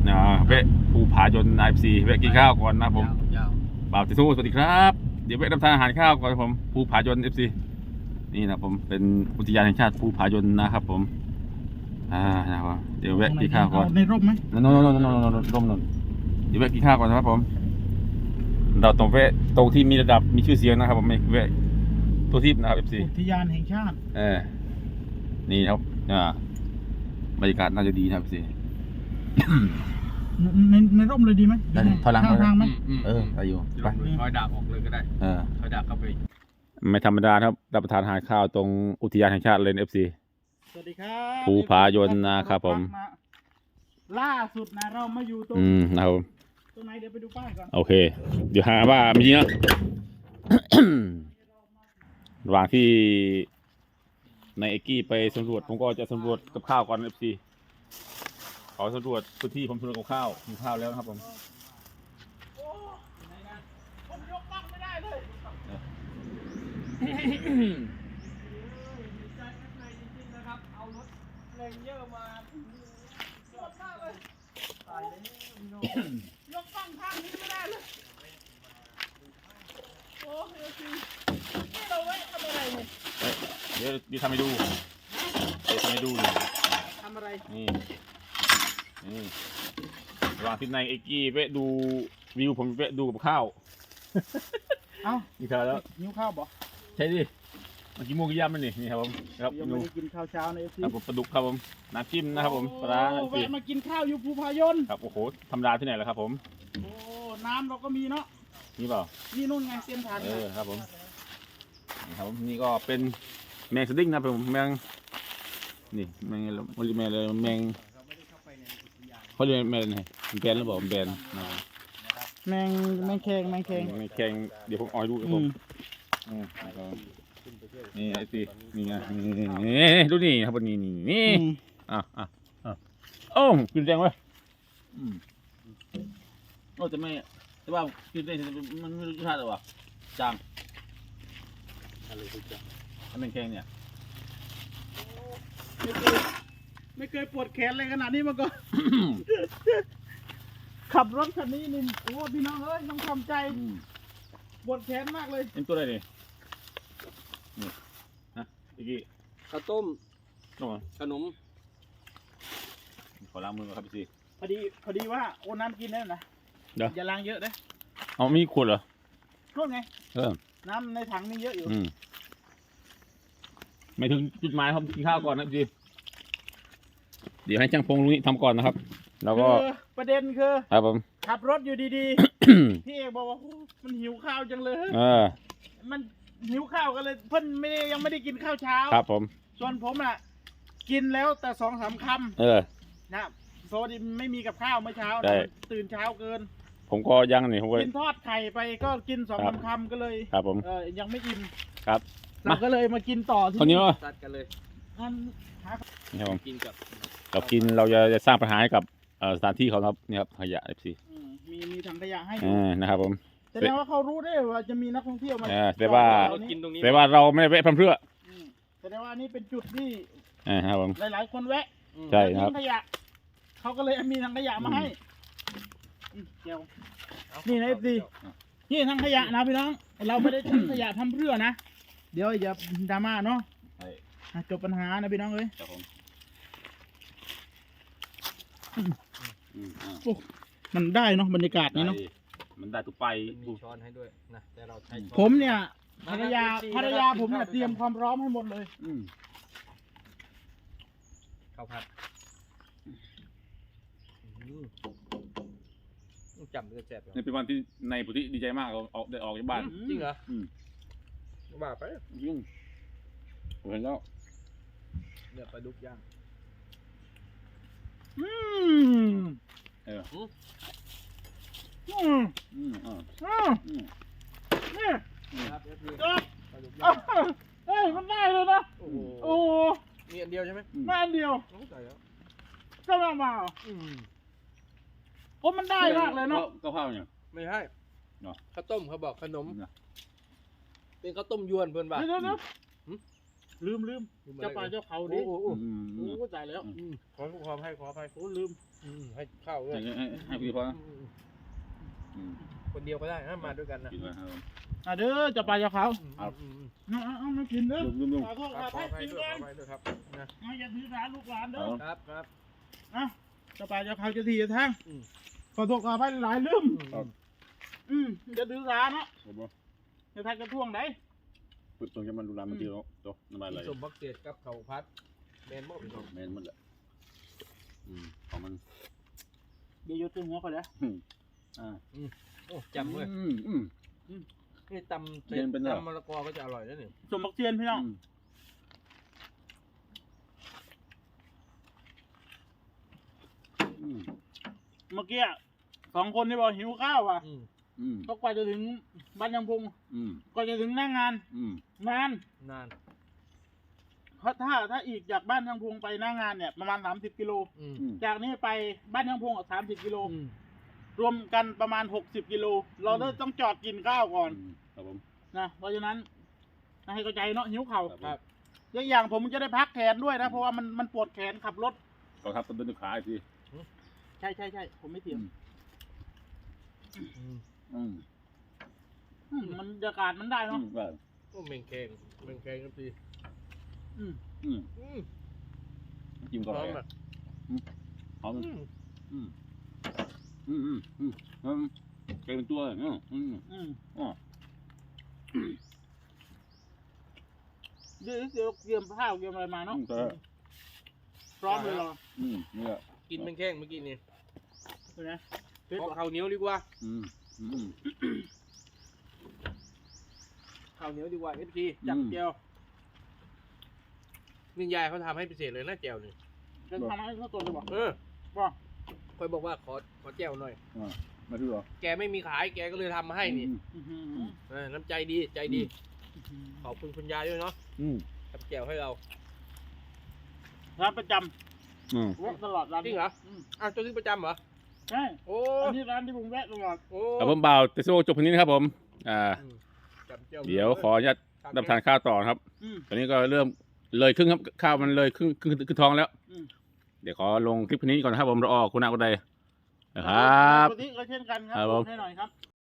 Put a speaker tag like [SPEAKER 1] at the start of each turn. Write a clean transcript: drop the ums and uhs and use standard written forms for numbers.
[SPEAKER 1] เวะภูผายนIFCเวะกินข้าวก่อนนะผมบ่าวติทูสวัสดีครับเดี๋ยวเวะรับทานอาหารข้าวก่อนผมภูผายนIFCนี่นะผมเป็นอุทยานแห่งชาติภูผายนนะครับผมนะครับเดี๋ยวแวะกินข้าวก่อน
[SPEAKER 2] ในร่มไหม
[SPEAKER 1] นนร่มนนเดี๋ยวแวะกินข้าวก่อนนะครับผมเราตรงแวะตรงที่มีระดับมีชื่อเสียงนะครับผมไม่แวะตัวทิพย์นะครับIFC
[SPEAKER 2] อุทยานแห่งชาติ
[SPEAKER 1] นี่ครับบรรยากาศน่าจะดีนะครับIFC
[SPEAKER 2] ในร่มเลยดีไหม
[SPEAKER 1] ถอยหลัง
[SPEAKER 2] ทางไหม
[SPEAKER 1] ไปอยู่ไป
[SPEAKER 3] ถอยดาบออกเลยก็ได้ถอยดาบเข้าไป
[SPEAKER 1] ไม่ธรรมดาครับรับประทานอาหารข้าวตรงอุทยานแห่งชาติเลยIFC
[SPEAKER 2] สวัสดีครับ
[SPEAKER 1] ภูผายนนะครับผม
[SPEAKER 2] ล่าสุดนะเรามาอยู่ตรง
[SPEAKER 1] นะครับ
[SPEAKER 2] ตรงไหนเดี๋ยวไปดูป้ายก่อน
[SPEAKER 1] โอเคเดี๋ยวหาว่าไม่จริงนะ ระหว่างที่ในเอกกี้ไปสำรวจผมก็จะสำรวจกับข้าวก่อนIFCขอสำรวจพื้นที่ผมสำรวจกับข้าวกินข้าวแล้วนะครับผม
[SPEAKER 2] ผมยกบ้างไม่ได้เลยเอารถแรงเยอะมาเยอะมากเลยตายเลยยกบ้างทางนี้ไม่ได้เลยโอ้เฮ้ยนี่เราไว้ทำอะไรเนี่ย
[SPEAKER 1] เดี๋ยวทำให้ดูเลย
[SPEAKER 2] ทำอะไร
[SPEAKER 1] นี่ระหว่างที่ในเอกกี้เวะดูวิวผมเวะดูกับข้าวกินข้าวแล้ว
[SPEAKER 2] นิ้วข้าวบ่
[SPEAKER 1] ใช่ดิมันกินมูกี่ยำมันนี่ครับผมครับ
[SPEAKER 2] ยังไม่ได้กินข้าวเช้าในเอฟซี
[SPEAKER 1] ครับผมปลาดุกครับผมน้ำจิ้มนะครับผมปลา
[SPEAKER 2] แวะมากินข้าวอยู่ภูผายน
[SPEAKER 1] ครับโอ้โหธรรมดาที่ไหนล่ะครับผม
[SPEAKER 2] โอ้น้ำเราก็มีเนาะ
[SPEAKER 1] นี่เปล่า
[SPEAKER 2] นี่นู่นไงเส้นทาง
[SPEAKER 1] ครับผมนี่ก็เป็นแมงสดิ้งนะผมแมงนี่แมงเลยแมงเขาเรียกแมงไงแบนหรือเปล่าแบน
[SPEAKER 2] แมงแข็ง
[SPEAKER 1] เดี๋ยวผมเอาให้ดูครับผมนี่ไอ้สินี่ไงนี่ดูนี่ครับนี่โอ้กินแรงเว้ยโอ้แต่ว่ากินได้มันไม่รู้รสชาติหรอวะจางอะไรทุกอย่างถ้าเป็นแข็งเนี่ย
[SPEAKER 2] ไม่เคยปวดแขนเลยขนาดนี้มาก่อน ขับรถคันนี้นี่โอ้พี่น้องเอ้ยต้องทำใจปวดแขนมากเลย
[SPEAKER 1] เป็นตัวอะไรนี่นะอีกที
[SPEAKER 3] ข้าวต้มขนม
[SPEAKER 1] ขอล้างมือก่อนครับพี่
[SPEAKER 2] พอดีว่าโอ้น้ำกินได้นะอย่าล้างเยอะนะ
[SPEAKER 1] เอามีขวดเหรอ
[SPEAKER 2] ขวดไงน้ำในถังมีเยอะอยู่
[SPEAKER 1] ไม่ถึงจุดหมายครับกินข้าวก่อนนะพี่เดี๋ยวให้ช่างพงลุงนี่ทำก่อนนะครับแล้วก็
[SPEAKER 2] ประเด็นคือ
[SPEAKER 1] ครับผม
[SPEAKER 2] ขับรถอยู่ดีๆพี่เอกบอกว่ามันหิวข้าวจังเลยมันหิวข้าวกันเลยเพิ่นยังไม่ได้กินข้าวเช้า
[SPEAKER 1] ครับผม
[SPEAKER 2] ส่วนผมอ่ะกินแล้วแต่2-3 คำนะโซดิไม่มีกับข้าวเมื่อเช้าตื่นเช้าเกิน
[SPEAKER 1] ผมก็ยังนี่ผม
[SPEAKER 2] กินทอดไข่ไปก็กิน2-3 คำก็เลย
[SPEAKER 1] ครับผม
[SPEAKER 2] ยังไม่อิ่ม
[SPEAKER 1] ครับ
[SPEAKER 2] เราก็เลยมากินต่อที่
[SPEAKER 1] คนนี้ว่า
[SPEAKER 3] ตัดกันเลย
[SPEAKER 1] นี่ผม
[SPEAKER 3] กินกับ
[SPEAKER 1] เราจะสร้างปัญหาให้กับสถานที่เขาครับนี่ครับขยะIFC
[SPEAKER 2] มีถังขยะให้
[SPEAKER 1] นะครับผม
[SPEAKER 2] แสดงว่าเขารู้ได้ว่าจะมีนักท่องเที่ยวมา
[SPEAKER 1] แต่ว่าเราไม่ได้แวะเพื่อ
[SPEAKER 2] แสดงว่านี่เป็นจุดที่
[SPEAKER 1] ครับผม
[SPEAKER 2] หลายๆคนแวะ
[SPEAKER 1] ใช่ครับ
[SPEAKER 2] ขยะเขาก็เลยมีถังขยะมาให้เดี๋ยวนี่นะIFCนี่ถังขยะนะพี่น้องเราไม่ได้ทิ้งขยะทำเพื่อนะเดี๋ยวอย่าดราม่าเนาะจบปัญหานะพี่น้องเอ้ยมันได้เนาะบรรยากาศนี้เนาะ
[SPEAKER 1] มันได้ทุกไป
[SPEAKER 3] มีช้อนให้ด้วยนะแต่เราใช้
[SPEAKER 2] ผมเนี่ยภรรยาผมเนี่ยเตรียมความพร้อมให้หมดเลย
[SPEAKER 3] ข้าวผัดจำจะแซ่บ
[SPEAKER 1] นี่เป็นวันที่ในปุถิดีใจมากได้ออกจากบ้าน
[SPEAKER 3] จริงเหรอบ้าไป
[SPEAKER 1] ยุ่งเห็นแล้ว
[SPEAKER 3] เนื้อปลาดุกย่าง
[SPEAKER 2] มันได้เลยนะโอ้
[SPEAKER 3] มีอันเดียวใช่ไหม
[SPEAKER 2] มาอันเดียวก็มาโอ้มันได้มากเลยเนาะ
[SPEAKER 1] ข้าวเนี่ย
[SPEAKER 3] ไม่ใช่ข้าวต้มเขาบอกขนมเป็นข้าวต้มยวนเพื่อนบ้าน
[SPEAKER 2] ลืมเจ้าป่าเจ้าเขาดิ
[SPEAKER 3] โอ้
[SPEAKER 2] โอ้ตายแล้ว
[SPEAKER 3] ขออภัย
[SPEAKER 2] โอ้ลืม
[SPEAKER 3] ให้ข้าวด้วย
[SPEAKER 1] ให้พี่พอนะ
[SPEAKER 3] คนเดียวก็ได้นะมาด้วยกันนะ
[SPEAKER 1] กินไว้ครับ
[SPEAKER 2] เด้อเจ้าป่าเจ้าเขา
[SPEAKER 1] ครับ
[SPEAKER 2] เอามากินเด้อ
[SPEAKER 1] ลุง
[SPEAKER 2] ขอโทษ
[SPEAKER 3] ข
[SPEAKER 2] ข
[SPEAKER 3] อ
[SPEAKER 2] อ
[SPEAKER 3] อภั
[SPEAKER 2] ให้
[SPEAKER 3] ย
[SPEAKER 2] กิน
[SPEAKER 3] ด้วย
[SPEAKER 2] กัน
[SPEAKER 3] ขออภัยด้วยครับนะ
[SPEAKER 2] อย่าถือสาลูกหลานเด้อ
[SPEAKER 3] ครับ
[SPEAKER 2] เจ้าป่าเจ้าเขาจะทีจะทาง
[SPEAKER 3] อืม
[SPEAKER 2] ขอโทษขอให้หลายลืม
[SPEAKER 1] ครับ
[SPEAKER 2] จะถือสาเนาะ
[SPEAKER 1] ผมว่า
[SPEAKER 2] จะทักกระท่วงได้
[SPEAKER 1] ปึ๊บตรงจะมันดูแลมันดีเนาะตัวน้ำมันไหล
[SPEAKER 3] สมบักเศษกับเขาพัดแมนบ่พี่น้อง
[SPEAKER 1] แมนมันแหละของมัน
[SPEAKER 2] เดี๋ยวโยนตึงหัวเขาเลย
[SPEAKER 3] โอ้จำเลยนี่ตำ
[SPEAKER 1] เรียนเป็นเหรอ
[SPEAKER 3] ตำมะละกอก็จะอร่อยนะนี่
[SPEAKER 2] สมบักเทียนพี่น้อง เมื่อกี้2 คนที่บอกหิวข้าวอ่ะก็กว่าจะถึงบ้านยังพงก็จะถึงหน้างานนาน
[SPEAKER 3] นาน
[SPEAKER 2] เพราะถ้าอีกจากบ้านยังพงไปหน้างานเนี่ยประมาณ30 กิโลจากนี้ไปบ้านยังพง30 กิโลรวมกันประมาณ60 กิโลเราเลยต้องจอดกินข้าวก่อน
[SPEAKER 1] ครับผม
[SPEAKER 2] นะเพราะฉะนั้นให้เข้าใจเนาะหิวเข่า
[SPEAKER 1] ครับ
[SPEAKER 2] อย่างผมจะได้พักแขนด้วยนะเพราะว่ามันปวดแขนขับรถ
[SPEAKER 1] ก็ครับต้นขาอีกที
[SPEAKER 2] ใช่ผมไม่เถียงมันบรรยากาศมันได้เนาะ
[SPEAKER 1] ได้
[SPEAKER 3] โอ้เมงแขงครับพี่
[SPEAKER 1] จิ้ม
[SPEAKER 3] พ
[SPEAKER 1] ก่อน
[SPEAKER 3] ร้อม
[SPEAKER 1] เลย
[SPEAKER 3] อ่ะ
[SPEAKER 1] หอมเป็นตัวเลย
[SPEAKER 2] เดี๋ยวเตรียมข้าวเตรียมอะไรมาเนาะพร้อมเลยเหรอ
[SPEAKER 1] นี่แหละ
[SPEAKER 3] กินเมงแข้งเมื่อกี้นี่
[SPEAKER 2] เห็นไหม
[SPEAKER 3] ขอข้าวเหนียวดีกว่าข้าวเหนียวดีกว่าFT จับแก้วนี่ยายเขาทำให้พิเศษเลยนะแก้วนี่
[SPEAKER 2] จะทำให้เขาตัวจะบอก
[SPEAKER 3] บอกคอยบอกว่าขอแก้วหน่อย
[SPEAKER 1] มาดูเหรอ
[SPEAKER 3] แกไม่มีขายแกก็เลยทำมาให้นี่น้ำใจดีขอบคุณคุณยายด้วยเนาะทำแก้วให้เรา
[SPEAKER 2] ร้านประจำแวะตลอดร้าน
[SPEAKER 3] จริงเหรออ้าวตัวนี้ประจำเหรอ
[SPEAKER 2] ใช่
[SPEAKER 3] โอ้
[SPEAKER 2] อันนี้ร้านที่ผมแวะตลอด
[SPEAKER 3] โอ้
[SPEAKER 1] ครับผมบ่าวเตโซจบพันนี้นะครับผม
[SPEAKER 3] จำแก้ว
[SPEAKER 1] เดี๋ยวขออนุญาตรับทานข้าวต่อครับตอนนี้ก็เริ่มเลยครึ่งครับข้าวมันเลยครึ่งท้องแล้วเดี๋ยวขอลงคลิปนี้ก่อนนะครับผมรอคุณอากุไดนะครับ
[SPEAKER 2] ปกติก็เช่นกันครับ
[SPEAKER 1] ครับผม
[SPEAKER 2] ให้หน่อยครับ